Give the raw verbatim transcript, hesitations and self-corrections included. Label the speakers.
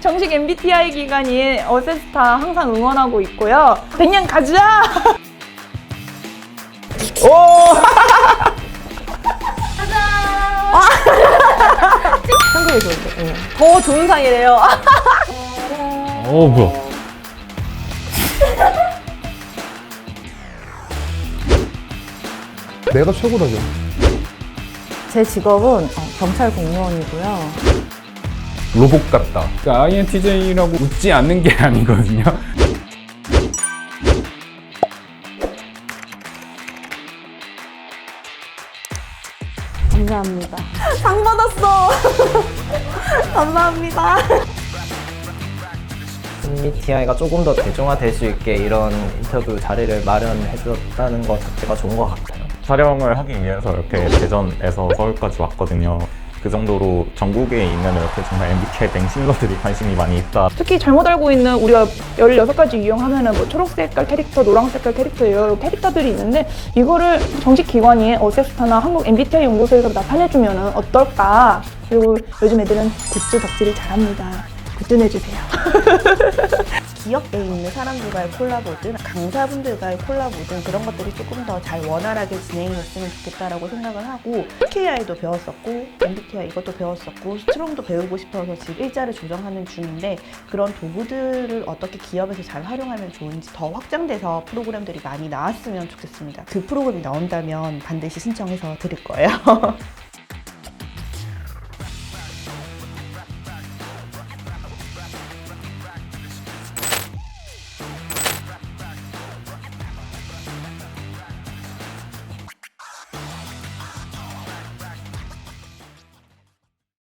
Speaker 1: 정식 엠비티아이 기관인 어세스타 항상 응원하고 있고요. 백 년 가자!
Speaker 2: 오!
Speaker 3: 한국에 좋은데. 응. 더 좋은 상이래요.
Speaker 2: 어, 뭐야. 내가 최고라죠.
Speaker 3: 제 직업은 어, 경찰 공무원이고요.
Speaker 2: 로봇 같다. 그러니까 아이엔티제이라고 웃지 않는 게 아니거든요.
Speaker 3: 감사합니다. 상 받았어. 감사합니다.
Speaker 4: 엠비티아이가 조금 더 대중화될 수 있게 이런 인터뷰 자리를 마련해줬다는 것 자체가 좋은 것 같아요.
Speaker 5: 촬영을 하기 위해서 이렇게 대전에서 서울까지 왔거든요. 그 정도로 전국에 있는 이렇게 정말 엠비티아이 맹신러들이 관심이 많이 있다.
Speaker 1: 특히 잘못 알고 있는 우리가 열여섯 가지 유형하면은 뭐 초록색깔 캐릭터, 노란색깔 캐릭터 여러 캐릭터들이 있는데 이거를 정식 기관인 어세스타나 한국 엠비티아이 연구소에서 나타내주면은 어떨까? 그리고 요즘 애들은 굿즈 덕질을 잘합니다. 굿즈 내주세요.
Speaker 6: 기업에 있는 사람들과의 콜라보든 강사분들과의 콜라보든 그런 것들이 조금 더 잘 원활하게 진행이 됐으면 좋겠다라고 생각을 하고 케이아이도 배웠었고 엠비티아이 이것도 배웠었고 스트롱도 배우고 싶어서 지금 일자를 조정하는 중인데 그런 도구들을 어떻게 기업에서 잘 활용하면 좋은지 더 확장돼서 프로그램들이 많이 나왔으면 좋겠습니다. 그 프로그램이 나온다면 반드시 신청해서 드릴 거예요.